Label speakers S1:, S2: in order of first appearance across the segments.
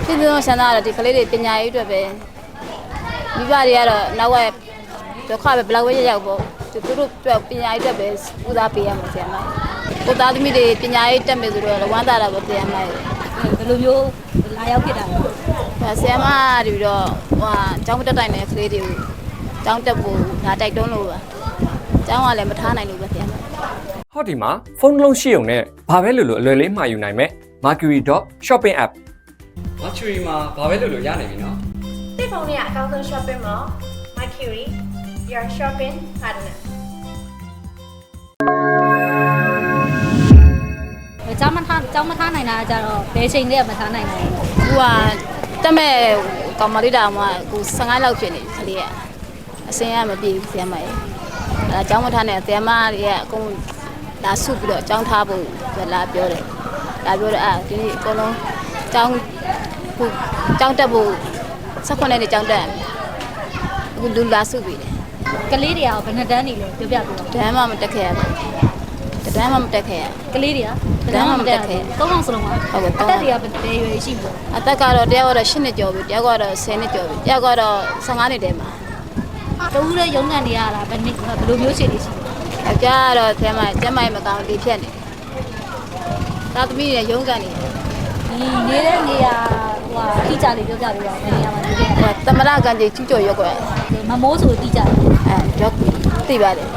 S1: ပြည်သူ့ဆန္ဒကတော့ဒီကလေးတွေပညာရေးအတွက်ပဲမိဘတွေကတော့နောက်ဝက်ဒုက္ခပဲဘလောက်ပဲရောက်ပေါ့သူတို့အတွက်ပညာရေးအတွက်ပဲဦးစားပေးရမှာဆရာမကိုသားသမီးတွေပညာရေးတက်မယ်ဆိုတော့ဝမ်းသာတာပဲဆရာမဘယ်လိုမျိုးလာရောက်ဖြစ်တာလဲဆရာမတွေပြီးတော့ကျောင်းတက်တိုင်းတဲ့ကလေးတွေကိုကျောင်းတက်ဖို့ဒါတိုက်တွန်းလို့ပါကျောင်းကလည်းမထားနိုင်လို့ပဲဆရာမ
S2: ဟောဒီမှာဖုန်းလုံးရှိုံနဲ့ဘာပဲလို့အလွယ်လေးမှာယူနိုင်မယ် Mercury.shopping app Mercury မှာဘာပဲလို့ရနိုင်ပြီနော်
S3: ဒီဖုန်းလေးကအကောင်းဆုံး shopping mall Mercury your shopping partner
S4: ကျောင်းမထားနိုင်တာကြတော့ဘယ်ချိန်တည်းမထားနိုင်ဘူး
S1: သူကတက်မဲ့ကောင်မလေးတောင်မှကို15လောက်ဖြစ်နေပြီကလေးကအစင်းရမပြေဘူးဆရာမရဲ့အဲကျောင်းမထားနဲ့ဆရာမတွေကအကုန်လာဆုပြီးတော့ကျောင်းထားဖို့လာပြောတယ်ဒီနေ့အကုန်လုံးကျောင်းတက်ဖို့18နှစ်ကျောင်းတက်အခုလူလာဆုပြီးတယ်
S4: ကလေးတွေကဘယ်နှစ်တန်းနေလဲပြောပြပေးပါ
S1: တန်းမှမတက်ခဲ့ရဘူးတန်းမှမတက်ခဲ့ရ
S4: ကလေးတွေကတန်းမှမတက်ခဲ့3အောင်စလုံးပါ
S1: ဟုတ်ကဲ့
S4: အသက်တွေကဘယ်ရွယ်ရှိပြီ
S1: အသက်ကတော့တယောက်ကတော့10နှစ်ကျော်ပြီတယောက်ကတော့10နှစ်ကျော်ပြီတယောက်ကတော့15နှစ်တည်းမှာ
S4: တူးတဲ့ရုံးကန်နေရတာဘယ်လိုမျိုးရှိနေရှိ
S1: အကြကတော့ဆရာမကျမမကောင်းဒီဖြတ်နေသာသမီးရဲ့ရုံးကန်နေ
S4: နေတဲ့နေရာတိကျလေးပြောပြပေးပါဦးနေရာမှာနေခဲ့
S1: သမရကန်ကြီးကျူးကျော်ရွက်ကွယ်
S4: မမိုးဆိုတိကျ
S1: ရောက်သိပါတယ်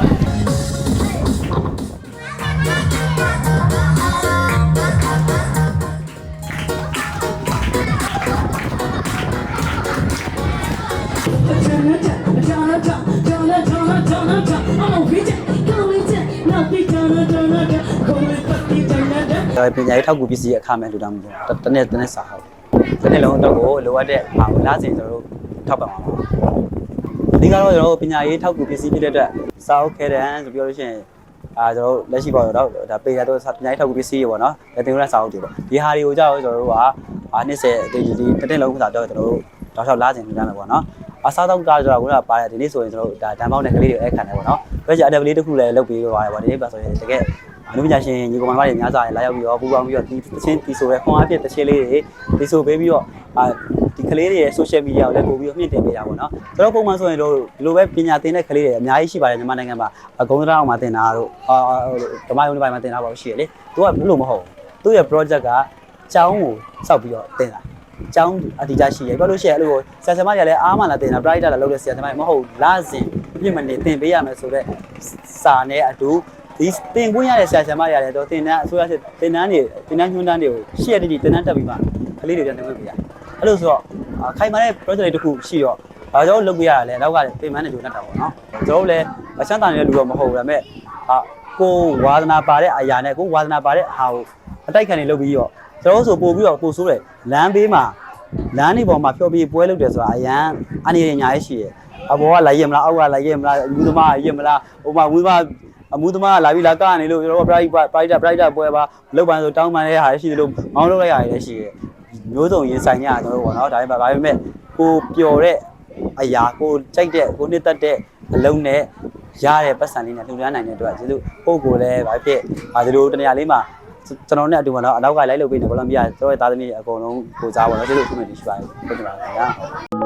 S5: ပညာရေးထောက်ကူပစ္စည်းအခမဲ့လူတောင်းမှုတနေ့စာဟုတ်တနေ့လုံးတော့ကိုလိုအပ်တဲ့လာစဉ်ကျွန်တော်တို့ထောက်ပံ့ပါမှာအဓိကတော့ကျွန်တော်တို့ပညာရေးထောက်ကူပစ္စည်းဖြစ်တဲ့အတွက်စာအုပ်ခဲတန်းဆိုပြောလို့ရှိရင်ကျွန်တော်တို့လက်ရှိပေါ့တော့ဒါပေရတော့ပညာရေးထောက်ကူပစ္စည်းတွေပေါ့နော်လက်တင်ရစာအုပ်တွေပေါ့ဒီဟာတွေကိုကြောက်ကျွန်တော်တို့က20ဒီတနေ့လုံးစာတော့ကျွန်တော်တို့တောက်လျှောက်လာစဉ်လူတန်းမယ်ပေါ့နော်အစားတော့ကားဆိုတာကပါတယ်ဒီနေ့ဆိုရင်ကျွန်တော်တို့ဒါတန်ပေါင်းတဲ့ကလေးတွေအဲ့ခံတယ်ပေါ့နော်ပြောချင်အတက်လေးတစ်ခုလည်းလုပ်ပေးပါတယ်ပေါ့ဒီနေ့ပါဆိုရင်တကယ်အမှုပညာရှင်ညီကောင်မတွေများစွာလာရောက်ပြီးတော့ပူပေါင်းပြီးတော့ဒီတချင်းဒီဆိုပဲခွန်အားဖြင့်တချင်းလေးတွေဒီဆိုပေးပြီးတော့ဒီကလေးတွေရဲ့ social media ကိုလည်းပို့ပြီးတော့မြင့်တင်ပေးတာပေါ့နော်ကျွန်တော်ပုံမှန်ဆိုရင်တို့ဒီလိုပဲပညာသင်တဲ့ကလေးတွေအများကြီးရှိပါတယ်မြန်မာနိုင်ငံမှာဂုံးတရားအောင်မှာသင်တာတို့ဓမ္မယုံတွေပိုင်းမှာသင်တာပါရှိရလေသူကဘယ်လိုမဟုတ်သူ့ရဲ့ project ကကျောင်းကိုစောက်ပြီးတော့သင်တာကျောင်းအတီးကြရှိရပြောလို့ရှိရင်အဲ့လိုဆရာဆရာမတွေကလည်းအားမလာသင်တာ private လာလုပ်တဲ့ဆရာဆရာမတွေမဟုတ်လာစဉ်ပြည့်မနေသင်ပေးရမယ်ဆိုတော့စာနဲ့အတူဒီတင်ခွင့်ရတဲ့ဆရာဆရာမတွေရတယ်တော့တင်တန်းအစိုးရစစ်တင်တန်းညွှန်းတန်းတွေကိုရှေ့ရတိတင်တန်းတက်ပြီးမှကလေးတွေပြန်တင်ခွင့်ပေးရအဲ့လိုဆိုတော့ခိုင်မာတဲ့ project တွေတခုရှိတော့ကျွန်တော်လုပ်ပေးရတာလဲနောက်ကပင်မနဲ့ကြိုးနေတာပေါ့နော်ကျွန်တော်လည်းအချမ်းသာနေတဲ့လူတော့မဟုတ်ဘူးဒါပေမဲ့ကိုဝါသနာပါတဲ့အရာနဲ့ကိုဝါသနာပါတဲ့ဟာကိုအတိုက်ခံနေလုပ်ပြီးတော့ကျွန်တော်ဆိုပို့ပြီးတော့ပို့ဆိုးတယ်လမ်းဘေးမှာလမ်းနေပေါ်မှာဖြောပြီးပွဲလုပ်တယ်ဆိုတာအရန်အနေနဲ့ညာရေးရှိတယ်အပေါ်ကလိုက်ရမလားအောက်ကလိုက်ရမလားလူသမားရမလားဟိုမှာဝီးမအမှုသမားလာပြီးလာကနေလို့ကျွန်တော် private ပွဲပါလောက်ပန်းဆိုတောင်းပန်တဲ့ဟာရှိတယ်လို့မောင်းလုပ်လိုက်ရတယ်လည်းရှိတယ်မျိုးစုံရင်ဆိုင်ကြကျွန်တော်တို့ပေါ့နော်ဒါပေမဲ့ကိုပျော်တဲ့အရာကိုကြိုက်တဲ့ကိုနှစ်သက်တဲ့အလုံးနဲ့ရတဲ့ပတ်စံလေးနဲ့လှူဒါန်းနိုင်တဲ့အတွက်ကျေးဇူးပို့ကိုလည်းဘာဖြစ်ဒီလိုတနေရာလေးမှာကျွန်တော်နဲ့အတူပေါ့နော်အနောက်ကလိုက်လုပ်ပေးနေဘောလုံးပြကျွန်တော်ရဲ့သားသမီးအကုန်လုံးကိုစားပါတော့ကျေးဇူးအထူးပဲရှိပါတယ်ဟုတ်ကဲ့ပါခင်ဗျာ